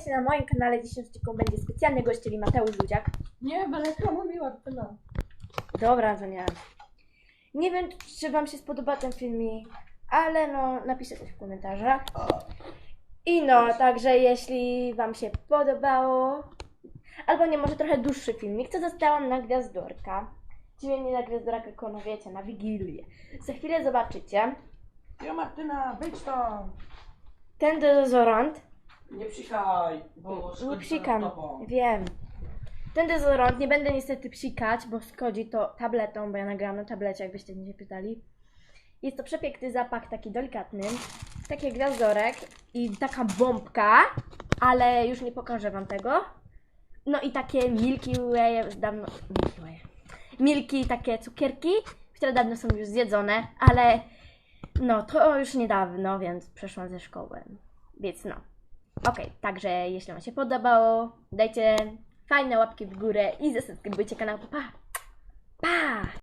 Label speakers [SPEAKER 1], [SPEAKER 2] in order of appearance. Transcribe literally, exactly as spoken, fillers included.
[SPEAKER 1] witajcie na moim kanale. Dzisiejszym odcinku będzie specjalny gość, czyli Mateusz Ludziak.
[SPEAKER 2] Nie, bo reklama mi łatwa.
[SPEAKER 1] Dobra, to nie. Nie wiem, czy wam się spodoba ten filmik, ale no, napiszcie coś w komentarzach. I no, także jeśli wam się podobało, albo nie, może trochę dłuższy filmik, to zostałam na Gwiazdorka. Czyli nie na Gwiazdorka, tylko no wiecie, na Wigilię. Za chwilę zobaczycie.
[SPEAKER 2] Jo Martyna, wyjdź tam!
[SPEAKER 1] Ten dezodorant.
[SPEAKER 2] Nie psikaj, bo
[SPEAKER 1] Nie
[SPEAKER 2] szkodzi
[SPEAKER 1] psikam,
[SPEAKER 2] tobą.
[SPEAKER 1] wiem. Ten dezodorant nie będę niestety psikać, bo szkodzi to tabletą, bo ja nagrałam na tablecie, jakbyście nie się pytali. Jest to przepiękny zapach, taki delikatny, taki gwiazdorek i taka bombka, ale już nie pokażę wam tego. No i takie Milky Way, dawno, Milky Way, Milki, takie cukierki, które dawno są już zjedzone, ale no to już niedawno, więc przeszłam ze szkoły, więc no. Okej, okay, także jeśli wam się podobało, dajcie fajne łapki w górę i zasubskrybujcie kanał. Pa! Pa!